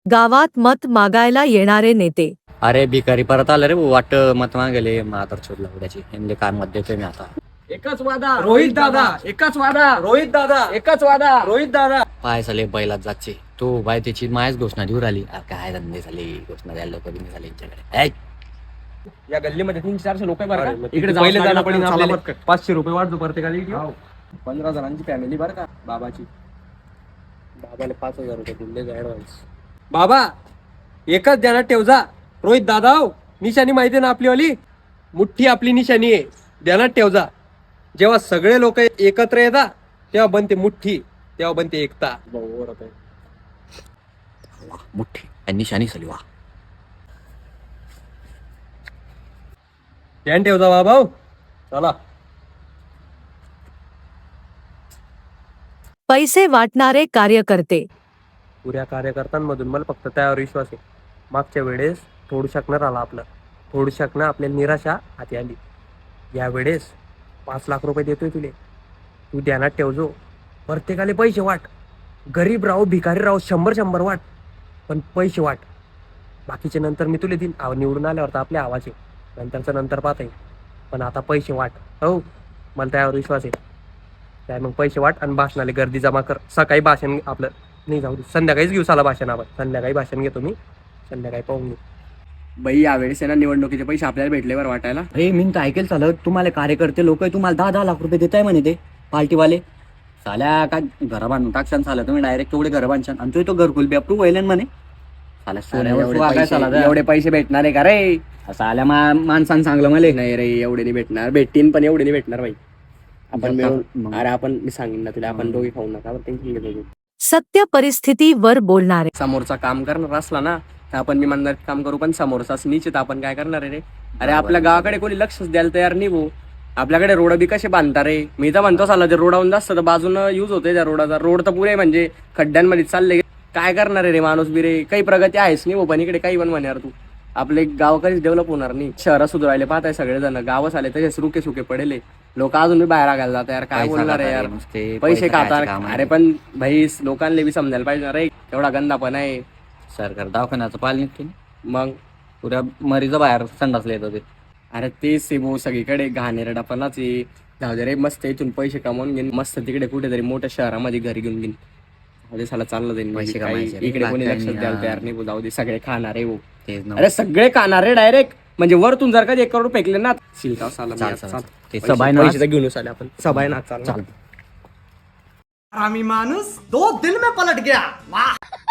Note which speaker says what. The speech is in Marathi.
Speaker 1: गावात मत मागायला येणारे नेते.
Speaker 2: अरे भिकारी परत आलं रे वाट मत मागेले मातर छोडला उड्याची यांनी काय मत देतोय मी आता.
Speaker 3: एकच वादा रोहित दादा, एकच वादा रोहित दादा, एकच वादा रोहित दादा.
Speaker 2: पाय झाले बैलात जागचे तो बाय त्याची मायच घोषणा देऊ राहिली. काय धंदे झाले घोषणा द्यायला लोक बिनी झाले यांच्याकडे.
Speaker 3: या गल्लीमध्ये 300-400 लोक इकडे पहिले जायला पडेल आपल्याला. 500 रुपये वाढतो प्रत्येकाला. 15 जणांची फॅमिली बरं का बाबाची.
Speaker 2: बाबाला 5,000 रुपये दिले ऍडव्हान्स.
Speaker 3: बाबा एकच ध्यानात ठेव जा रोहित दादा. निशाणी माहिती ना आपली वाली मुठ्ठी आपली निशाणी आहे. ध्यानात ठेव जा. जेव्हा सगळे लोक एकत्र येतात तेव्हा बनते मुठ्ठी, तेव्हा बनते एकता.
Speaker 2: मुठ्ठी आणि निशाणी झाली वा.
Speaker 3: ध्यान ठेव जा बाबा. चला.
Speaker 1: पैसे वाटणारे कार्यकर्ते.
Speaker 3: पुऱ्या कार्यकर्त्यांमधून मला फक्त त्यावर विश्वास आहे. मागच्या वेळेस थोडू शकणार आला आपलं, थोडू शकणं आपल्या निराशा हाती आली. यावेळेस 5 लाख रुपये देतोय तुले. तू ध्यानात ठेवजो. प्रत्येकाले पैसे वाट. गरीब राहो भिकारी राहो 100-100 वाट, पण पैसे वाट. बाकीचे नंतर मी तुले देईन. निवडून आल्यावर तर आपले आवाज आहे, नंतरचं नंतर पाहता येईल. पण आता पैसे वाट. हो मला त्यावर विश्वास आहे. काय मग पैसे वाट आणि भाषणाला गर्दी जमा कर. सकाळी भाषण आपलं नाही जाऊ दे, संध्याकाळीच घेऊ साला भाषण. आपण संध्याकाळी भाषण घेतो मी, संध्याकाळी पाहून घेऊ.
Speaker 4: बाई यावेळेस आहे ना निवडणुकीचे पैसे आपल्याला भेटले बरं वाटायला.
Speaker 2: अरे मी तर ऐकेल चालत तुम्हाला कार्यकर्ते लोक तुम्हाला 10-10 लाख रुपये देताय म्हणे ते पार्टीवाले. साल्या काय घर बांधून टाकशान साला तुम्ही डायरेक्ट तेवढे घर बांधशान आणि तो घरकुल बी अप्रूव्ह व्हायला म्हणे.
Speaker 4: एवढे पैसे भेटणार आहे का रे?
Speaker 2: असं आल्या माणसानं सांगलं मला.
Speaker 4: नाही रे एवढे नाही भेटणार. भेटतीन पण एवढे नाही भेटणार बाई. आपण मिळून अरे आपण मी सांगेन ना तुला, आपण दोघे खाऊ नका टेन्शन घेतो.
Speaker 1: सत्य परिस्थितीवर बोलणारे.
Speaker 4: समोरचा काम करणार असला ना तर आपण मी म्हणणार काम करू, पण समोरचा निश्चित आपण काय करणार आहे रे? अरे आपल्या गावाकडे कोणी लक्षच द्यायला तयार नाही भाऊ. आपल्याकडे रोड बी कसे बांधता रे? मी तर म्हणतो साला ते रोडावून जास्त तर बाजूनं यूज होते त्या रोडाचा. रोड तर पुरे म्हणजे खड्ड्यांमध्ये चालले. काय करणार आहे रे माणूस बी रे? काही प्रगती आहेच नाही भाऊ. पण इकडे काही पण म्हणणार तू. आपले गाव कधीच डेव्हलप होणार नाही. शहरं सुधारायला पाहताय सगळेजण. गावच आले तसेच रुके सुके पडले. लोक अजून बी बाहेर आगायला जातात यार. काय बोलणार आहे यार? पैसे खातात. अरे पण भाई लोकांना बी समजायला पाहिजे ना रे, एवढा गंदा पण आहे.
Speaker 2: सरकार दवाखान्याचं पाल निघते
Speaker 4: मग
Speaker 2: पुऱ्या मरीचं बाहेर संडासला येत होते.
Speaker 4: अरे तेच आहे भाऊ सगळीकडे घाणेरडापणाच आहे. जाऊ दे रे मस्त इथून पैसे कमावून घेईन मस्त तिकडे कुठेतरी मोठ्या शहरामध्ये घरी घेऊन घेईन. साला चाललं जाईल.
Speaker 2: पैसे कमायचे रे,
Speaker 4: इकडे कोणी
Speaker 2: बाकी
Speaker 4: लक्ष
Speaker 2: काही
Speaker 4: द्यायला तयार नाही भाऊ. जाऊ दे सगळे खाणार आहे भाऊ.
Speaker 2: तेच ना.
Speaker 4: अरे सगळे खाणार रे डायरेक्ट. म्हणजे वरतून जर का 1 करोड फेकले ना शिलका साला
Speaker 2: चाल,
Speaker 4: मी
Speaker 2: चाल,
Speaker 4: चाल.
Speaker 2: ते सबाई ना
Speaker 4: पैसे तर घेऊन आले आपण. सबाई ना चाल.
Speaker 3: आरामी माणूस 2 दिन में पलट गया. वाह.